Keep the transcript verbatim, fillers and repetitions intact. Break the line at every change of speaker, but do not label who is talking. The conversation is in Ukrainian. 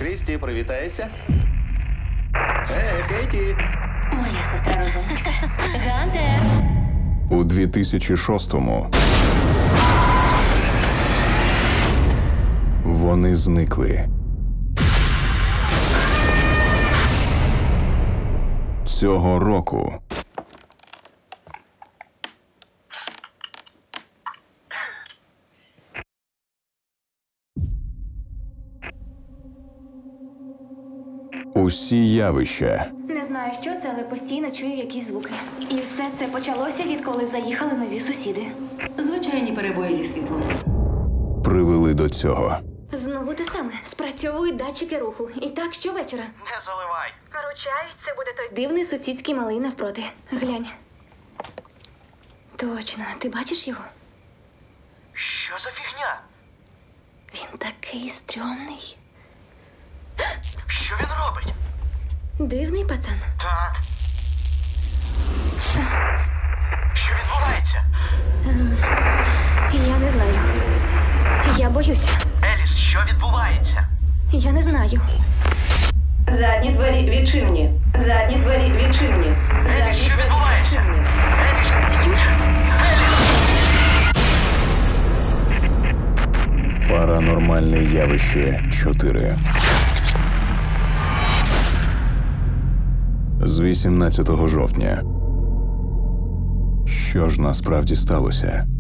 Крісті, привітайся. Е, Кейті.
Моя сестра розумничка. Гантер!
У дві тисячі шостому вони зникли. Цього року усі явища,
Не знаю, що це, але постійно чую якісь звуки. І все це почалося, відколи заїхали нові сусіди.
Звичайні перебої зі світлом.
привели до цього.
Знову те саме. Спрацьовують датчики руху. І так щовечора.
Не заливай.
Ручаюсь, це буде той дивний сусідський малий навпроти. Глянь. Точно. Ти бачиш його?
Що за фігня?
Він такий стрьомний.
Що він робить?
Дивний пацан.
Так. Що відбувається?
Я не знаю. Я боюся.
Еліс, що відбувається?
Я не знаю.
Задні двері відчинені. Задні двері відчинені.
Еліс, що відбувається? Еліс,
Що?
Паранормальне явище чотири. З вісімнадцятого жовтня. Що ж насправді сталося?